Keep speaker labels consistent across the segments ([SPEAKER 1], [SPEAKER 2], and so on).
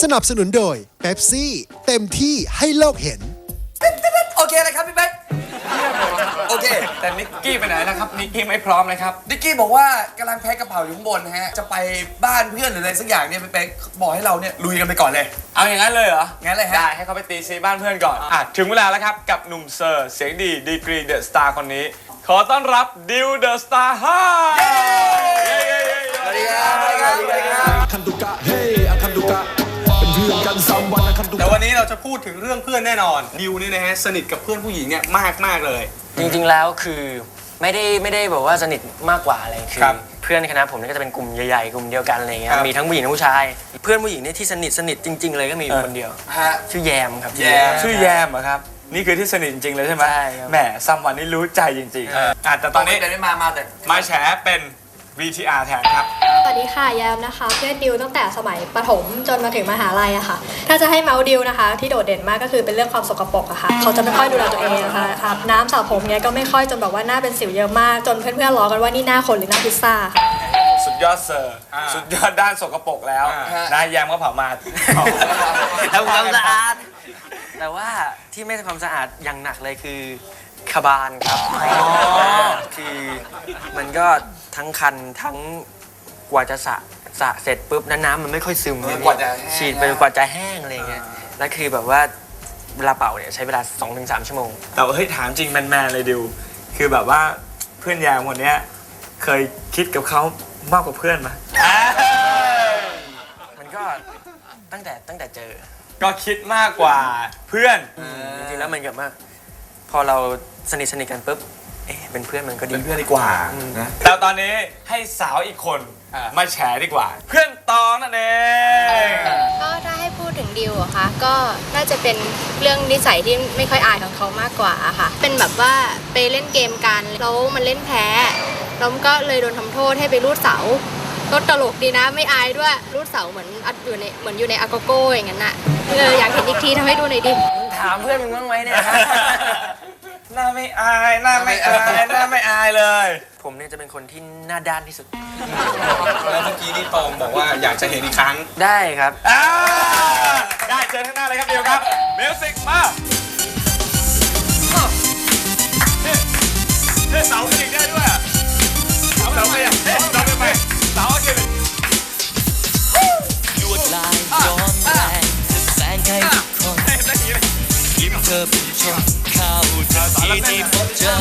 [SPEAKER 1] สนับสนุนโดยเป๊ปซี่เต็มที่ให้โลกเห็น
[SPEAKER 2] โอเคเลยครับพี่เป๊กโอเค
[SPEAKER 3] แต่นิกกี้ไปไหนนะครับนิกกี้ไม่พร้อมเลยครับ
[SPEAKER 2] นิกกี้บอกว่ากำลังแพ็คกระเป๋าอยู่ข้างบนนะฮะจะไปบ้านเพื่อนหรืออะไรสักอย่างเนี่ยพี่เป๊กบอกให้เราเนี่ยลุยกันไปก่อนเลย
[SPEAKER 3] เอาอย่างนั้นเลยเหรอ
[SPEAKER 2] งั้นเลยฮะ
[SPEAKER 3] ได้ให้เขาไปตีซีบ้านเพื่อนก่อนถึงเวลาแล้วครับกับหนุ่มเซอร์เสียงดีกรีเดอะสตาร์คนนี้ขอต้อนรับดิวเดอะสตาร์ฮ่า
[SPEAKER 2] สวัสดีครับสวัสดีครับสวัสดีครับ
[SPEAKER 4] คันตุกะเฮ้อาคันตุกะเป็นเพื่อนกัน3 วันนะคันตุกะ
[SPEAKER 5] แต่วันนี้เราจะพูดถึงเรื่องเพื่อนแน่นอนดิวนี่นะฮะสนิทกับเพื่อนผู้หญิงเนี่ยมากเลย
[SPEAKER 6] จริงๆแล้วคือไม่ได้แบบว่าสนิทมากกว่าอะไรคือเพื่อนคณะผมนี่ก็จะเป็นกลุ่มใหญ่ๆกลุ่มเดียวกันอะไรเงี้ยมีทั้งผู้หญิงทั้งผู้ชายเพื่อนผู้หญิงนี่ที่สนิทจริงๆเลยก็มีคนเดียวชื่อแยมครับ
[SPEAKER 3] ชื่อแยมเหรอครับนี่คือที่สนิทจริงๆเลยใช่ไหม
[SPEAKER 6] ใช่ครับ
[SPEAKER 3] แหมซัมวันนี้รู้ใจจริงๆแต่ตอนนี้
[SPEAKER 2] ไม่มาแต่
[SPEAKER 3] มาแฉเป็น VTR แทนครับ
[SPEAKER 7] สวัสดีค่ะแยมนะคะเพื่อนดิวตั้งแต่สมัยประถมจนมาถึงมหาลัยอะค่ะถ้าจะให้เมาส์ดิวนะคะที่โดดเด่นมากก็คือเป็นเรื่องความสกปรกอะค่ะเขาจะไม่ค่อยดูแลตัวเองนะคะอาบน้ำสระผมเนี้ยก็ไม่ค่อยจนแบบว่าหน้าเป็นสิวเยอะมากจนเพื่อนๆล้อกันว่านี่หน้าคนหรือหน้าพิซซ่าค่ะ
[SPEAKER 3] สุดยอดเซอร์สุดยอดด้านสกปรกแล้วนายแยมก็เผามา
[SPEAKER 6] ทำความสะอาดแต่ว่าที่ไม่ทำความสะอาดอย่างหนักเลยคือขบานครับคือมันก็ทั้งคันทั้งกว่าจะสระเสร็จปุ๊บน้ำมันไม่ค่อยซึมฉีดไปกว่าจะแห้งอะไรเงี้ยแล้วคือแบบว่าเวลาเป่าเนี่ยใช้เวลา 2-3 ชั่วโมง
[SPEAKER 3] แต่ว่าเฮ้ยถามจริงแมนๆเลยดิวคือแบบว่าเพื่อนแยมคนนี้เคยคิดกับเขามากกว่าเพื่อนไหม
[SPEAKER 6] มันก็ตั้งแต่เจอ
[SPEAKER 3] ก็คิดมากกว่าเพื่อน
[SPEAKER 6] จริงๆแล้วมันเกิดมากพอเราสนิทกันปุ๊บเป็นเพื่อนมันก็ดี
[SPEAKER 3] เป็นเพื่อนดีกว่านะแต่ตอนนี้ให้สาวอีกคนมาแฉดีกว่าเพื่อนตองนั่นเอง
[SPEAKER 8] ก็ถ้าให้พูดถึงดิวอะคะก็น่าจะเป็นเรื่องนิสัยที่ไม่ค่อยอายของเขามากกว่าค่ะเป็นแบบว่าไปเล่นเกมกันแล้วมันเล่นแพ้แล้วก็เลยโดนทำโทษให้ไปรูดเสาก็ตลกดีนะไม่อายด้วยรูดเสาเหมือนอยู่ในอาโกโก้อย่างนั้นน่ะอยากเห็นอีกทีทำให้ดูหน่อยดิ
[SPEAKER 6] ถามเพื่อนมึงบ้างไหมเนี่ย
[SPEAKER 3] หน้าไม่อายหน้าไม่อายเลย
[SPEAKER 6] ผมเนี่ยจะเป็นคนที่หน้าด้านที่สุด
[SPEAKER 5] แล้วเมื่อกี้นี่ตองบอกว่าอยากจะเห็นอีกครั้ง
[SPEAKER 6] ได้ครับ
[SPEAKER 3] ได้เจอข้างหน้าเลยครับเดียวครับมิวสิกมาเสาจริงได้ด้วยเสาไปอ่ะเสาไปเสาเกี่ยว
[SPEAKER 9] ลวดลายย้อมแรงจะแสงให้ทุกคนยิ้มเธอเป็นชมเข้าทันทีที่พบเจอ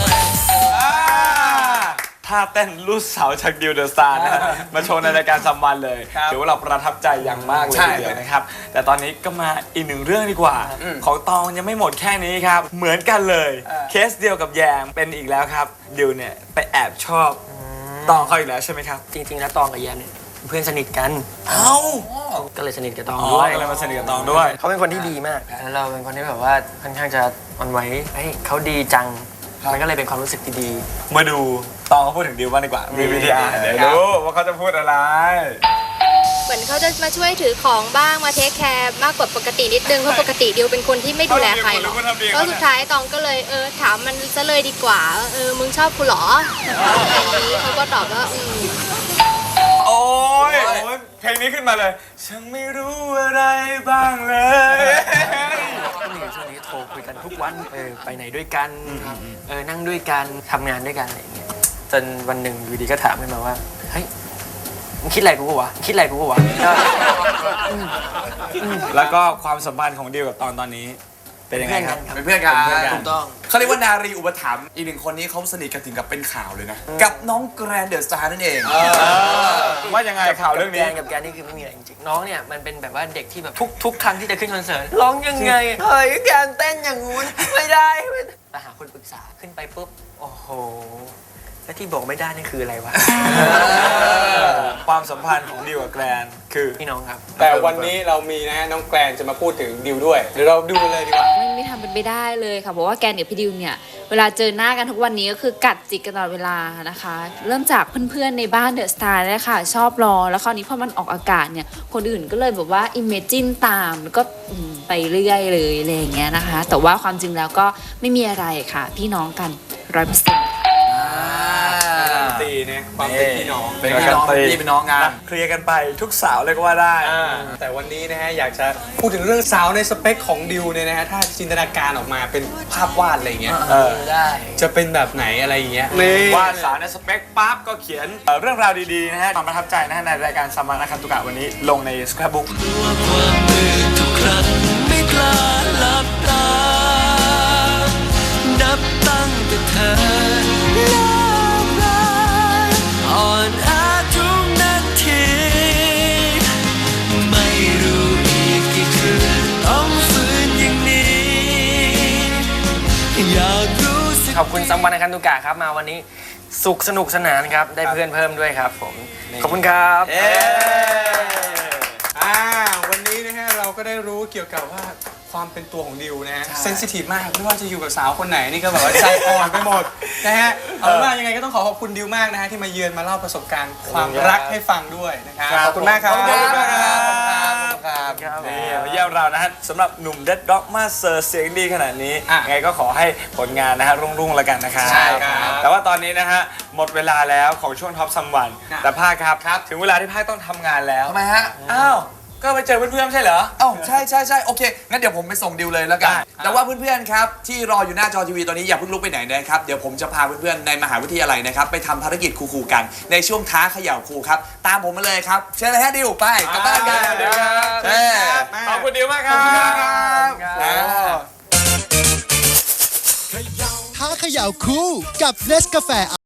[SPEAKER 3] ท่าเต้นลูกสาวจากดิวเดอะสตาร์นะมาโชว์ในรายการซัมวันเลยถือว่าเราประทับใจอย่างมากเลยทีเดียวนะครับแต่ตอนนี้ก็มาอีกหนึ่งเรื่องดีกว่าของตองยังไม่หมดแค่นี้ครับเหมือนกันเลยเคสเดียวกับแยมเป็นอีกแล้วครับดิวเนี่ยไปแอบชอบตองเขาอีกแล้วใช่ไหมครับ
[SPEAKER 6] จริงๆแล้วตองกับแยมเนี่ยเพื่อนสนิทกันก็เลยสนิทกับตอง
[SPEAKER 3] ด้วยก็เลยมาสนิทกับตองด้วย
[SPEAKER 6] เขาเป็นคนที่ดีมากแล้วเราเป็นคนที่แบบว่าค่อนข้างจะอ่อนไหวเขาดีจังมันก็เลยเป็นความรู้สึกที่ดี
[SPEAKER 3] มาดูตองเขาพูดถึงดิวบ้างดีกว่ามีวิดีโอเดี๋ยวดูว่าเขาจะพูดอะไร
[SPEAKER 8] เหมือนเขาจะมาช่วยถือของบ้างมาเทคแคร์มากกว่าปกตินิดนึงเพราะปกติดิวเป็นคนที่ไม่ดูแลใครหรอกแล้วสุดท้ายตองก็เลยถามมันซะเลยดีกว่ามึงชอบกูหรออย่างนี้เขาก็ตอบว่า
[SPEAKER 3] โอ้ยเพลงนี้ขึ้นมาเลยฉันไม่รู้อะไรบ้างเลย
[SPEAKER 6] ช่วงนี้โทรคุยกันทุกวันไปไหนด้วยกันนั่งด้วยกันทำงานด้วยกันอะไรอย่างเงี้ยจนวันหนึ่งอยู่ดีก็ถามขึ้นมาว่าเฮ้ยมึงคิดอะไรกูวะ
[SPEAKER 3] แล้วก็ความสัมพันธ์ของดิวกับตอนนี้เป็นยังไงครับ
[SPEAKER 2] เป็นเพื่อนกัน
[SPEAKER 6] ถูกต้อง
[SPEAKER 2] เขาเรียกว่านารีอุปถัมภ์อีกหนึ่งคนนี้เขาสนิทกันถึงกับเป็นข่าวเลยนะกับน้องแกรนเดอะสตาร์นั่นเอง
[SPEAKER 3] ว่ายังไงข่าวเรื่องนี้
[SPEAKER 6] กับแกนี่คือไม่มีอะไรจริงๆน้องเนี่ยมันเป็นแบบว่าเด็กที่แบบทุกครั้งที่จะขึ้นคอนเสิร์ตร้องยังไงเฮ้ยแกเต้นอย่างงู้นไม่ได้แต่หาคนปรึกษาขึ้นไปปุ๊บโอ้โหแล้วที่บอกไม่ได้นี่คืออะไรวะ
[SPEAKER 3] ความสัมพันธ์ของดิวกับแกรนคือ
[SPEAKER 6] พี่น้องครับ
[SPEAKER 5] แต่วันนี้เรามีนะน้องแกรนจะมาพูดถึงดิวด้วยเดี๋ยวเราดูเลยดีกว่า
[SPEAKER 10] ไม่ทำเป็นไปได้เลยค่ะเพราะว่าแกนกับพี่ดิวเนี่ยเวลาเจอหน้ากันทุกวันนี้ก็คือกัดจิกกันตลอดเวลานะคะเริ่มจากเพื่อนๆในบ้านเดอะสตาร์เลยค่ะชอบรอแล้วคราวนี้พอมันออกอากาศเนี่ยคนอื่นก็เลยแบบว่าอิมเมจินตามแล้วก็ไปเรื่อยเลยอะไรอย่างเงี้ยนะคะแต่ว่าความจริงแล้วก็ไม่มีอะไรค่ะพี่น้องกัน100%
[SPEAKER 3] ตีเนี่ย
[SPEAKER 5] ความเป็นพี่น้อง
[SPEAKER 2] เป็นพี่น้องพี่เป็นน้องงาน
[SPEAKER 3] เคลียร์กันไปทุกสาวเลยก็ว่าได้
[SPEAKER 5] แต่วันนี้นะฮะอยากจะพูดถึงเรื่องสาวในสเปคของดิวเนี่ยนะฮะถ้าจินตนาการออกมาเป็นภาพวาดอะไรเงี้ย
[SPEAKER 6] ได้
[SPEAKER 5] จะเป็นแบบไหนอะไรอย่างเงี้ย
[SPEAKER 3] ว่าสาวในสเปคปั๊บก็เขียนเรื่องราวดีๆนะฮะความประทับใจนะฮะในรายการซัมมันอาคันตุกะวันนี้ลงใน Scrapbook
[SPEAKER 9] ความมืดทุกครั้งไม่กล้าหลับตานับตั้งแต่เธอเลิกลาอ่อนอาทุกนาทีไม่รู้อีกกี่คืนต้องฝืนอย่างนี้อยากรู้สึก
[SPEAKER 6] ขอบคุณซัมวันอาคันตุกะครับมาวันนี้สุขสนุกสนานครับได้เพื่อนเพิ่มด้วยครับผมขอบคุณครับ
[SPEAKER 5] วันนี้นะฮะเราก็ได้รู้เกี่ยวกับว่าความเป็นตัวของดิวนะฮะเซนซิทีฟมากไม่ว่าจะอยู่กับสาวคนไหนนี่ก็แบบว่าใจอ่อนไปหมดนะฮะเอาเป็นว่ายังไงก็ต้องขอบคุณดิวมากนะฮะที่มาเยือนมาเล่าประสบการณ์ความรักให้ฟังด้วยนะครับขอบคุณมากครับ
[SPEAKER 2] ขอบคุณมากครับ
[SPEAKER 3] นี่มาเยี่ยมเรานะฮะสำหรับหนุ่มเด็ดด็อกมาเซอร์เสียงดีขนาดนี้ไงก็ขอให้ผลงานนะฮะรุ่งๆแล้วกันนะครับ
[SPEAKER 5] ใช่ครับ
[SPEAKER 3] แต่ว่าตอนนี้นะฮะหมดเวลาแล้วของช่วงท็อปซัมวันแต่ภาคครับถึงเวลาที่ภาคต้องทำงานแล้ว
[SPEAKER 2] ทำไมฮะ
[SPEAKER 3] อ้าวก็ไปเจอเพื่อนๆใช่เหรอ
[SPEAKER 2] เอ้าใช่โอเค งั้นเดี๋ยวผมไปส่งดิวเลยแล้วกัน แต่ว่าเพื่อนๆครับที่รออยู่หน้าจอทีวีตอนนี้อย่าเพิ่งลุกไปไหนนะครับ เดี๋ยวผมจะพาเพื่อนๆในมหาวิทยาลัยนะครับไปทำภารกิจคูลๆกันในช่วงท้าเขย่าครูครับ ตามผมมาเลยครับ เชิญเลยฮะดิวไปกลับบ้านกัน
[SPEAKER 3] เดี๋ยวครับ ขอบคุณดิวมากครับ
[SPEAKER 1] ท้าเขย่าคู่กับเนสกาแฟ